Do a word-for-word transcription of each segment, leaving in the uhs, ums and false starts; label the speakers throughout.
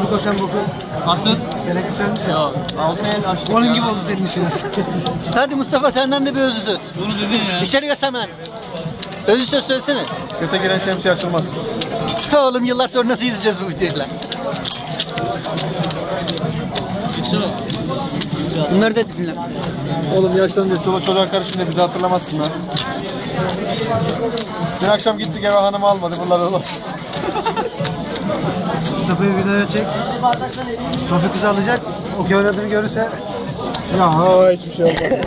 Speaker 1: Hızlı koşan boku.
Speaker 2: Atın.
Speaker 1: Sene kısalmış ya.
Speaker 2: Yok. Altı el açtık.
Speaker 1: Onun
Speaker 2: ya.
Speaker 1: gibi oldu senin işin aslında.
Speaker 3: Hadi Mustafa senden de bir özlü söz.
Speaker 2: Bunu dedin ya.
Speaker 3: Dışarı göstermen. Özlü söz söylesene.
Speaker 4: Göte giren şemsiye açılmaz.
Speaker 3: Oğlum yıllar sonra nasıl izleyeceğiz bu videoyu? Bunları da dizinle.
Speaker 4: Oğlum yaşlanınca çoluk çocuğa karışınca bizi hatırlamazsın lan. Dün akşam gittik eve hanımı almadı. Bunlar da dolaş.
Speaker 1: Mustafa'yı videoya çek. Sofi kızı alacak. O ki oynadığını görürse. Ya ha hiçbir şey olmaz.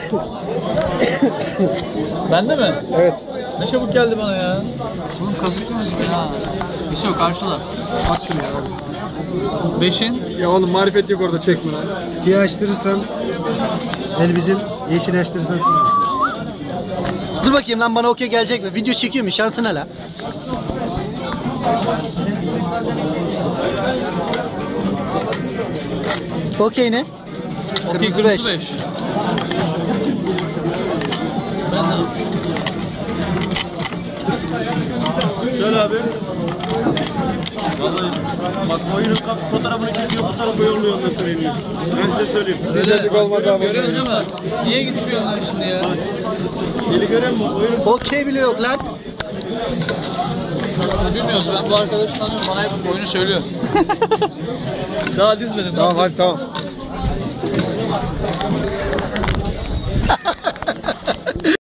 Speaker 2: Bende mi?
Speaker 4: Evet.
Speaker 2: Ne çabuk geldi bana ya. Oğlum kazıksınız ya. Bir şey yok karşıla.
Speaker 4: Aç şunu ya.
Speaker 2: Beşin.
Speaker 4: Ya oğlum marifet yok orada çekme lan.
Speaker 1: Siyah açtırırsan el bizim, yeşil açtırırsan sizin.
Speaker 3: Dur bakayım lan bana okey gelecek mi? Video çekiyor mu? Şansına la. Okey ne?
Speaker 2: Okey
Speaker 3: Kırmızı beş.
Speaker 2: kırmızı beş. Ben de.
Speaker 4: Söyle abi. Vallahi bak oyunun fotoğrafını çekiyor, bu tarafa yolluyor ondan söyleyeyim. Ben size söyleyeyim.
Speaker 2: Öyle. Görüyorsun değil mi? Niye gitmiyorlar şimdi ya?
Speaker 4: Deli görüyor musun? Oyunun
Speaker 3: Okey bile yok lan.
Speaker 2: Biz bilmiyoruz. Ben bu arkadaşı tanıyorum. Bana hep oyunu söylüyor. Daha dizmedim.
Speaker 4: Tamam hadi tamam.